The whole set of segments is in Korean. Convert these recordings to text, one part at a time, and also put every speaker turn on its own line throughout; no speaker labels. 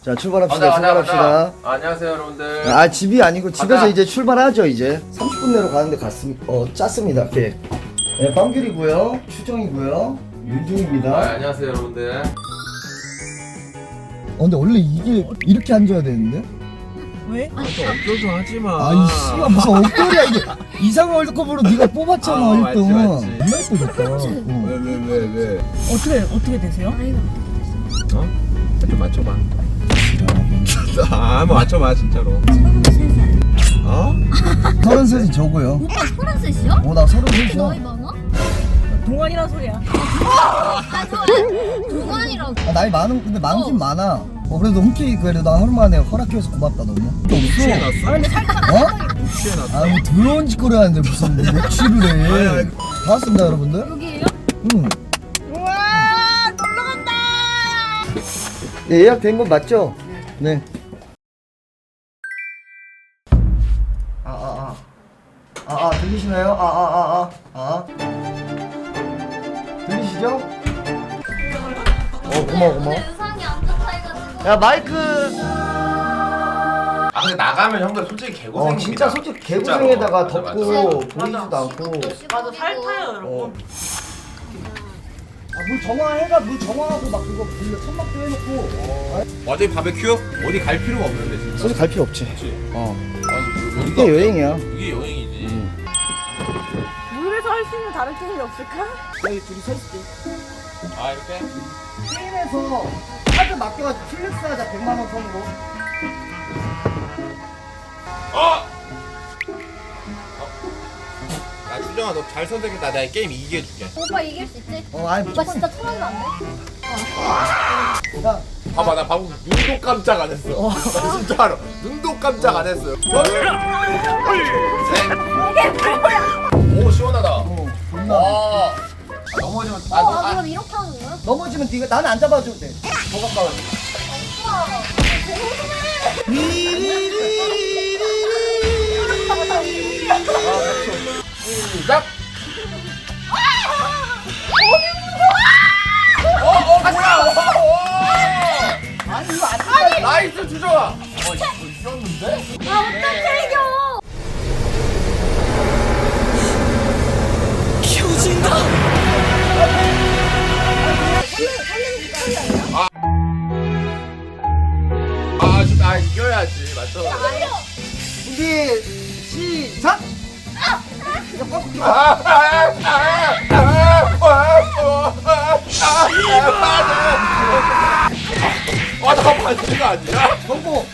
자 출발합시다. 출발합시다.
안녕하세요 여러분들.
아 집이 아니고 집에서
가자.
이제 출발하죠. 이제 30분 내로 가는데 짰습니다. 계획. 네, 빵귤이고요, 추정이고요, 윤중입니다.
안녕하세요 여러분들.
근데 원래 이게 이렇게 앉아야 되는데?
왜?
어쩌도 하지마.
아이 씨발 무슨 엉터리야 이게. 이상한 월드컵으로 네가 뽑았잖아 1등.
맞지.
존나 예뻐졌다.
왜?
어떻게 되세요?
어? 좀 맞춰봐. 한번 맞춰봐 진짜로.
33살.
어?
33이 저고요.
오빠 33이요?
나
이렇게 나이
33이야.
많아?
동안이란 소리야.
아, 저 동안이라고.
나이 근데 많긴 많아. 그래도 흔쾌히 그래도 나 하루 만에 허락해줘서 고맙다 너무.
취해놨어?
근데 살짝
어?
취해놨어?
아, 뭐 더러운 짓거리 하는데 무슨 뭐 취를 해. 반갑습니다 여러분들.
여기에요?
응.
우와 놀러 간다.
예, 예약된 건 맞죠? 네. 들리시나요? 들리시죠? 고마워.
의상이 안 좋다 해가지고.
야 마이크.
아 근데 나가면 형들 솔직히 개고생입니다.
진짜 솔직히 개고생에다가
진짜로.
덥고
맞아.
보이지도 않고.
맞아 살 타요 여러분.
물 정화해가 물 정화하고 막 그거 불려 천막도 해놓고.
어디 바베큐? 어디 갈 필요가 없는데 진짜.
솔직히 갈 필요 없지.
아니,
이게 여행이야.
이게 여행이지.
물에서 할 수 있는 다른 게임이 없을까?
여기 둘이 서 있을게.
아 이렇게?
게임에서 카드 맡겨가지고 플렉스 하자 100만원 선으로.
아 수정아 너 잘 선택했다. 내가 게임 이기게 해줄게.
오빠 이길 수 있지?
아니
오빠
무조건.
진짜 통하면 안 돼?
야,
봐봐 나 방금 눈도 깜짝 안 했어. 나 진짜로 눈도 깜짝 안 했어요. 오 시원하다.
존나.
와. 넘어지면
그럼 이렇게 하는 거야?
넘어지면 네가 나는 안 잡아줘도 돼. 더 가까워.
시작. 뭐야?
아니 이거 안 돼.
나이스 주정아. 이겼는데?
아, 어떡해, 이겨!
아 이겨야지 맞죠?
준비 시작.
나 반지가 아니야?
성공.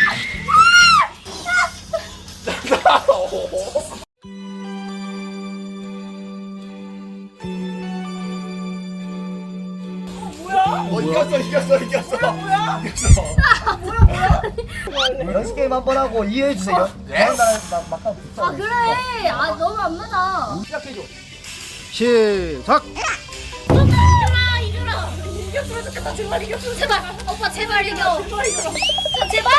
이겼어.
연습 게임 한번 하고 이해해 주세요. 다음 나라 막상 붙자.
아, 그래! 아, 너무 안 맞아.
시작해줘. 시작.
이겨라, 이겨라! 이겼으면 좋겠다, 제발 이겼으면 제발! 오빠, 제발 이겨! 제발 이겨! 제발!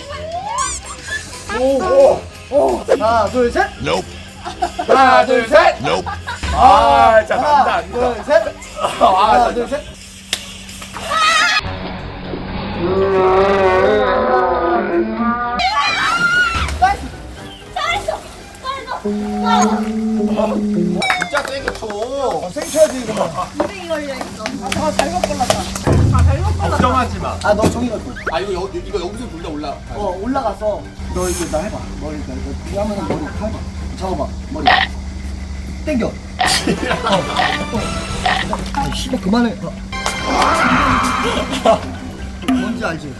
제발!
오. 하나 둘 셋.
하나 둘 셋. 아 진짜 난다
하나
안 돼.
둘 셋. 하나 둘 셋.
잘했어! 잘했어!
진짜 세게 쳐.
생쳐야지 이거만.
200이 걸려있어.
아 잘못 골랐다.
걱정하지 마.
너 종이가 줘.
아 이거 여기서 둘 다 올라.
올라가서 너 이거 나 해봐. 머리 이거 하면은 머리 해봐. 잡아봐 머리. 땡겨. 씨발 그만해. 뭔지 알지?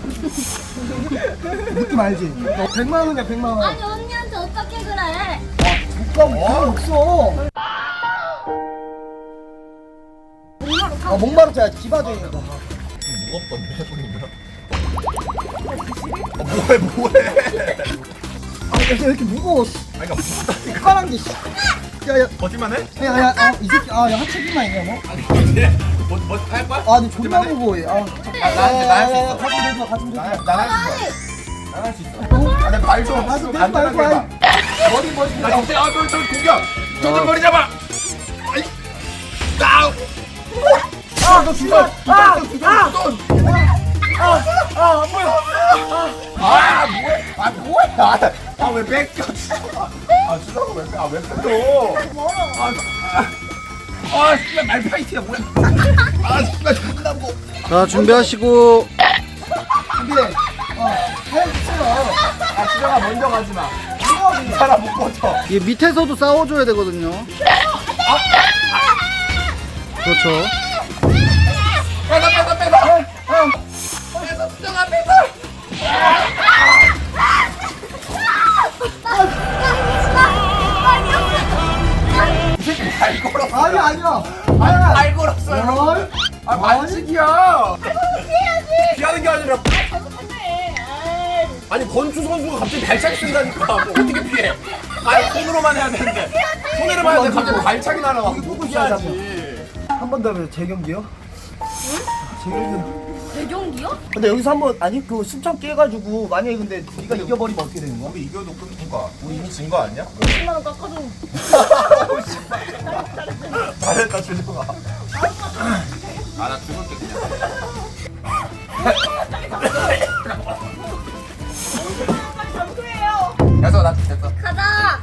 느낌 알지? 너 100만 원이야 100만 원.
아니, 언니한테 어떻게 그래?
못 없어. 목마르자 기바져 있는 거.
무겁던데 뭐해?
왜 이렇게 무거워?
아니 그러니까 무겁다니까.
까란 게. 야야.
거짓말해?
야야 이 새끼 야 하체기만 있냐 뭐?
근데 뭐할 거야?
근데 존나 무거워 얘.
나할수 있어.
가슴 좀
나할 수 있어. 근데 말좀
가슴 좀
간단하게
말고
해봐.
머리
나 진짜 저 공격. 저좀 머리 잡아. 아이. 나.
너 죽어.
두 돈. 뭐야? 왜 뺏겨? 수정아 왜 뺏겨? 씨발 말파이트야 뭐야? 씨발 존나 뭐?
자 준비하시고
준비해. 해주세요. 수정아 먼저 가지 마. 이 사람 못 버텨.
이 밑에서도 싸워줘야 되거든요. 그렇죠.
빼서 수정아 빼서. 잘 걸었어.
아니야.
잘 걸었어요. 반칙이야. 피하는 게 아니라. 아니 건주 선수가 갑자기 발차기 쓴다니까. 뭐 어떻게 피해? 손으로만 해야 되는데. 손으로만 해야 돼. 갑자기 발차기 날아와. 누구 피하지?
한 번 더 하면 재경기요? 재경기.
대경기요?
근데 여기서 한번 아니 그 신청 깨가지고 만약에 근데 네가 이겨버리면 어떻게 되는 거야?
우리 이겨도 끝인 거야. 우리 이미 진 거 아니야?
10만 원 깎아줘.
잘했다 주정아. 나 죽을게 그냥.
장소예요.
됐어 나 됐어.
가자.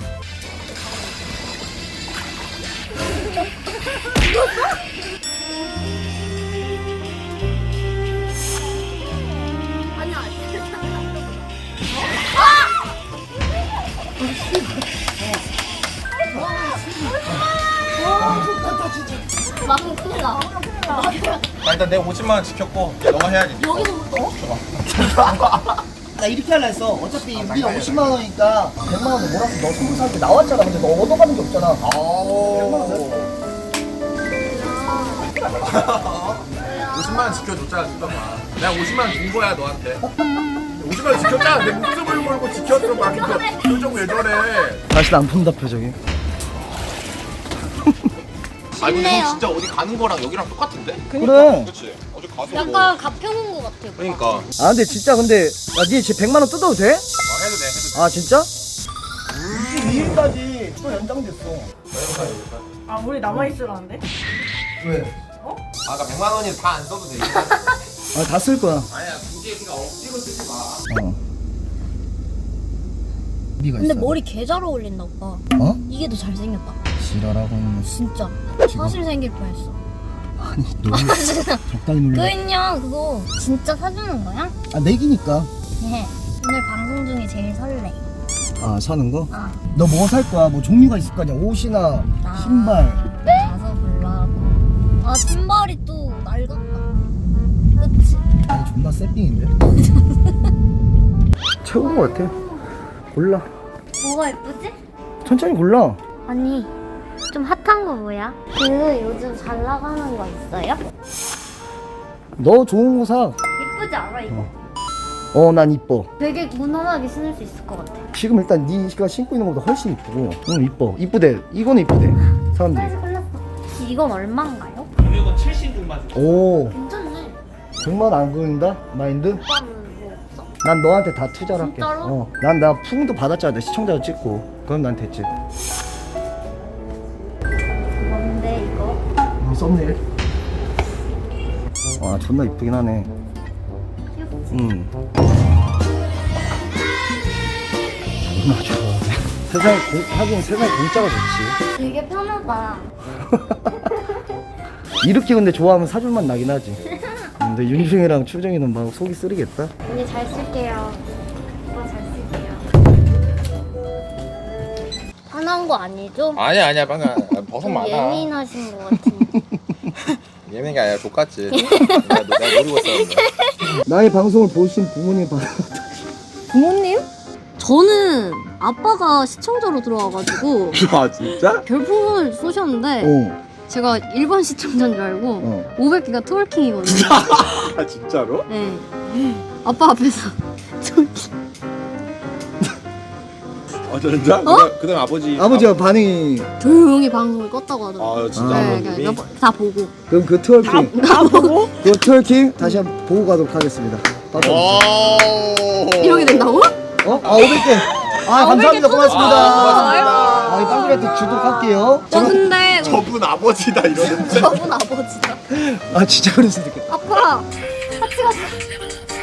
아니야. 막은 큰일 나.
일단 내 50만 원 지켰고 이제 너가 해야지.
여기서부터?
나 이렇게 할라 했어. 어차피 우리가 50만 원이니까 100만 원도 몰아서 너 선물 사는데 나왔잖아. 근데 너 얻어가는 게 없잖아. 100만 원 냈어.
50만 원 지켜줬잖아 주정아. 내가 50만 원 준 거야 너한테. 50만 원 지켰잖아. 내 목숨을 걸고 지켰어. 막 이거 표정 왜 저래?
다시 안 푼다 표정이.
아니 근데
쉽네요.
형 진짜 어디 가는 거랑 여기랑 똑같은데?
그래.
그렇지. 어제 가서 뭐.
약간 가평 온것 같아요.
그러니까.
아 근데 진짜 근데 니 지금 100만 원 뜯어도 돼?
해도 돼.
아 진짜? 22일까지 또 연장됐어.
아 우리 남아 있으라는데?
왜?
아까 100만 원이 다 안 써도 돼.
아 다 쓸 거야.
아니야 굳이 그러니까 억지로 쓰지 마.
네가
근데
있어.
머리 개 잘 어울린다 오빠.
어?
이게 더 잘생겼다.
지랄하고
진짜. 사실 생길 뻔했어.
아니 너무 적당히 놀려.
그냥 그거 진짜 사주는 거야?
아 내기니까.
네. 오늘 방송 중에 제일 설레.
아 사는 거?
아.
너 뭐 살 거야? 뭐 종류가 있을 거 아니야? 옷이나
나
신발.
가서 골라고. 아 신발이 또 낡았다. 그치?
아니 존나 새삥인데? 최고인 거 같아. 골라.
뭐가 예쁘지?
천천히 골라.
아니 좀 핫한 거 뭐야? 그 요즘 잘 나가는 거 있어요?
너 좋은 거 사.
예쁘지 않아 이거?
난 이뻐.
되게 무난하게 신을 수 있을 것 같아.
지금 일단 네가 신고 있는 것보다 훨씬 이쁘고. 응 이뻐. 이쁘대. 이거는 이쁘대. 사람들이.
사이즈 골랐어. 이건 얼마인가요?
오.
괜찮네.
100만 안 그린다? 마인드?
오빠는 뭐 없어?
난 너한테 다 투자를 할게.
진짜로?
난 나 풍도 받았잖아. 내 시청자도 찍고. 그럼 난 됐지.
뭔데 이거?
썸네일. 와 존나 이쁘긴 하네.
귀엽지?
존나 좋아. 하긴 세상에 공짜가 좋지.
되게 편하다.
이렇게 근데 좋아하면 사줄 맛 나긴 하지. 근데 윤중이랑 추정이는 막 속이 쓰리겠다.
언니 잘 쓸게요. 오빠 잘 쓸게요. 화난 거 아니죠?
아니야 방금 버섯
좀
많아.
예민하신 것 같은데.
예민한 게 아니라 족같지. 내가 노리고 있었는데.
나의 방송을 보신 부모님 봐.
부모님? 저는 아빠가 시청자로 들어와가지고
아 진짜?
별풍선을 쏘셨는데
어.
제가 일반 시청자인 줄 알고 500개가 트월킹이거든요.
아 진짜로?
네. 아빠 앞에서 트월킹.
아 진짜? 그다음 아버지.
아버지가 반응이
조용히 방송을 껐다고 하더라고요.
아 진짜
네,
아버님이?
그냥 다 보고.
그럼 그 트월킹
보고?
그 트월킹 다시 한번 보고 가도록 하겠습니다.
이렇게 된다고?
어? 아 500개. 아 감사합니다. 고맙습니다.
고맙습니다.
이 빵그레이트 주도록 할게요.
근데
저분 아버지다 이러는데.
저분 아버지다.
아 진짜 그럴 수도 있겠다.
아빠 같이 가자.